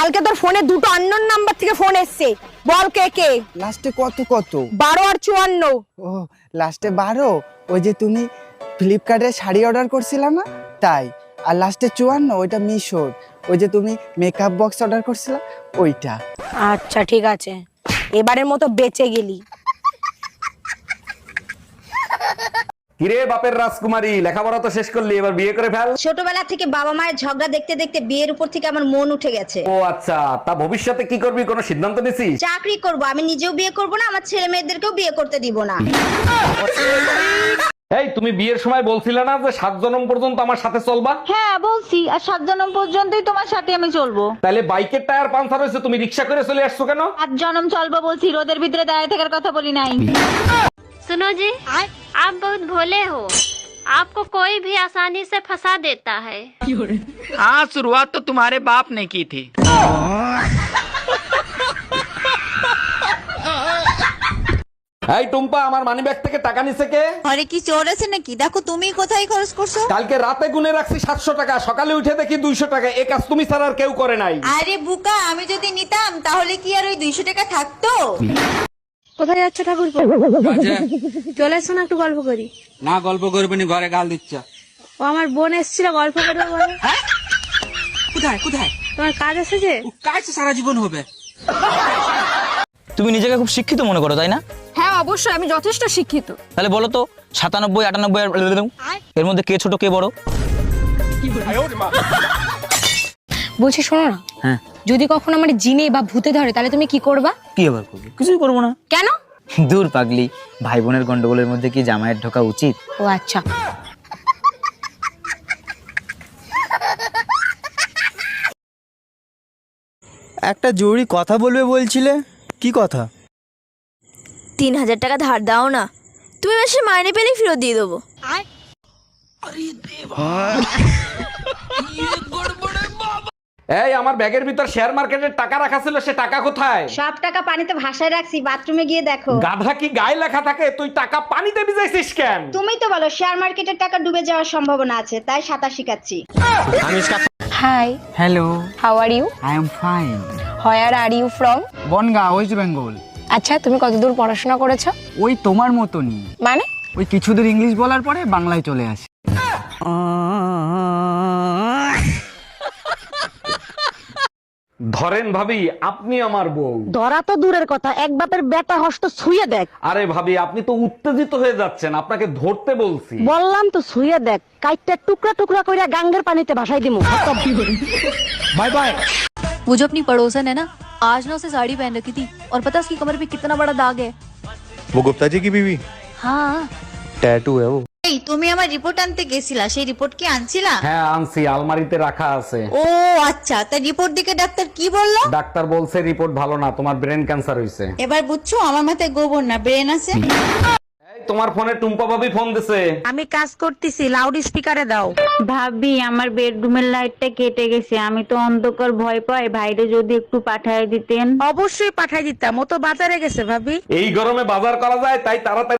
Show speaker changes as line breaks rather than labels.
কালকে তোর ফোনে দুটো আননোন নাম্বার থেকে ফোন এসছে, বল কে কে?
লাস্টে কত কত?
12 আর 54।
ও লাস্টে 12, ওই যে তুমি ফ্লিপকার্টে শাড়ি অর্ডার করছিলা না তাই। আর লাস্টে 54 ওইটা মিশোর, ওই যে তুমি মেকআপ বক্স অর্ডার করছিলা ওইটা।
আচ্ছা ঠিক আছে, এবারের মতো বেঁচে গেলি।
কিরে বাপের রাজকুমারী, লেখাপড়া তো শেষ করলি, এবার বিয়ে করে ফেল।
ছোটবেলা থেকে বাবা মায়ের ঝগড়া দেখতে দেখতে বিয়ের উপর থেকে আমার মন উঠে গেছে।
ও আচ্ছা, তা ভবিষ্যতে কি করবি, কোনো সিদ্ধান্ত নিছিস?
চাকরি করব, আমি নিজেও বিয়ে করব না, আমার ছেলে মেয়েদেরকেও বিয়ে করতে দিব না।
এই তুমি বিয়ের সময় বলছিলে না যে 7 জনম পর্যন্ত আমার সাথে চলবা?
হ্যাঁ বলছি, আর 7 জনম পর্যন্তই তোমার সাথে আমি চলবো।
তাহলে বাইকের টায়ার পাঞ্চার হয়েছে, তুমি রিক্সা করে চলে আসছো কেন?
7 জনম চলবো বলছি, রোদের ভিতরে দাঁড়িয়ে থাকার কথা বলি নাই।
सुनो जी, आप बहुत भोले हो। आपको कोई भी आसानी से फंसा देता है।
हाँ, शुरुआत तो तुम्हारे बाप ने की थी।
এই টুম্পা, আমার মানিব্যাগ থেকে টাকা নিছে কে?
আরে কি চোর আছে নাকি? দেখো তুমি কোথায় খরচ করছো।
কালকে রাতে গুনে রাখছি 700 টাকা, সকালে উঠে দেখি 200 টাকা। এই কাজ তুমি ছাড়া আর কেউ করে নাই।
আরে বুকা, আমি যদি নিতাম তাহলে কি আর ওই 200 টাকা থাকতো?
কোথায় যাচ্ছ ঠাকুরপো? চলে এসো না, একটু গল্প করি।
না গল্প করবে নি, ঘরে গাল দিচ্ছ।
ও আমার বোন এসেছিল, গল্প করবে বলে।
কোথায় কোথায়?
তোমার কাজ এসেছে?
কাজ সারা জীবন হবে।
তুমি নিজেকে খুব শিক্ষিত মনে করো, তাই না?
হ্যাঁ অবশ্যই, আমি যথেষ্ট শিক্ষিত।
তাহলে বলো তো 97, 98 এর মধ্যে কে ছোট কে বড়?
বলছি শোনো না,
হ্যাঁ
যদি কখনো আমার জিনে বা ভূতে ধরে তাহলে তুমি কি করবা?
কি আবার করবো? কিছুই করবো না।
কেন?
দূর পাগলি, ভাই বোনের গন্ডগোলের মধ্যে কি জামাইয়ের ঢোকা উচিত?
ও আচ্ছা।
একটা জরুরি কথা বলবে বলছিলে, কি কথা?
3000 টাকা ধার দাও না, তুমি মাসে মাইনে পেলেই ফেরত দিয়ে দেবো।
এই আমার ব্যাগের ভিতর শেয়ার মার্কেটের টাকা রাখা ছিল, সে টাকা কোথায়?
সব টাকা পানিতে ভাসায় রাখছি, বাথরুমে গিয়ে দেখো।
গাধা কি গায়ে লেখা থাকে? তুই টাকা পানিতে ভিজাইছিস কেন?
তুমি তো বলো শেয়ার মার্কেটের টাকা ডুবে যাওয়ার সম্ভাবনা আছে, তাই সাঁতার শিখাচ্ছি।
Hi,
hello,
how are you?
I am fine.
Where are you from?
Bangaon, West Bengal.
আচ্ছা, তুমি কতদূর পড়াশোনা করেছো?
ওই তোমার মতনই,
মানে?
ওই কিছুদূর ইংলিশ বলার পরে বাংলায় চলে আসে।
ধরেন ভাবি, আপনি আমার বউ।
ধরা তো দূরের কথা, এক বাপের বেটা হস্ত ছুঁয়ে দেখ।
আরে ভাবি, আপনি তো উত্তেজিত হয়ে যাচ্ছেন, আপনাকে ধরতে বলছি।
বললাম তো ছুঁয়ে দেখ, কাইটটা টুকরা টুকরা কইরা গাঙ্গের পানিতে ভাসাই দিমু।
Bye bye.
वो जो अपनी पड़ोसन है ना, आज ना उसे साड़ी पहन रखी थी और पता उसकी कमर पे कितना बड़ा दाग है।
वो गुप्ता जी की बीवी?
हाँ,
टैटू है वो।
এই তুমি আমার রিপোর্ট আনতে গেছিলা, সেই রিপোর্ট কি আনছিলা?
হ্যাঁ আনছি, আলমারিতে রাখা আছে।
ও আচ্ছা, তা রিপোর্ট দিকে ডাক্তার কি বললো?
ডাক্তার বলছে রিপোর্ট ভালো না, তোমার ব্রেন ক্যান্সার হয়েছে।
এবার বুঝছো আমার মাথায় গোবর না ব্রেন আছে।
এই তোমার ফোনে টুম্পা ভাবি ফোন দিছে।
আমি কাজ করতেছি, লাউড স্পিকারে দাও।
ভাবি, আমার বেডরুমের লাইটটা কেটে গেছে, আমি তো অন্ধকার ভয় পাই, ভাইরে যদি একটু পাঠায় দিতেন।
অবশ্যই পাঠাই দিতাম, ও তো বাজারে গেছে ভাবি।
এই গরমে বাজার করা যায়, তাই তাড়াতাড়ি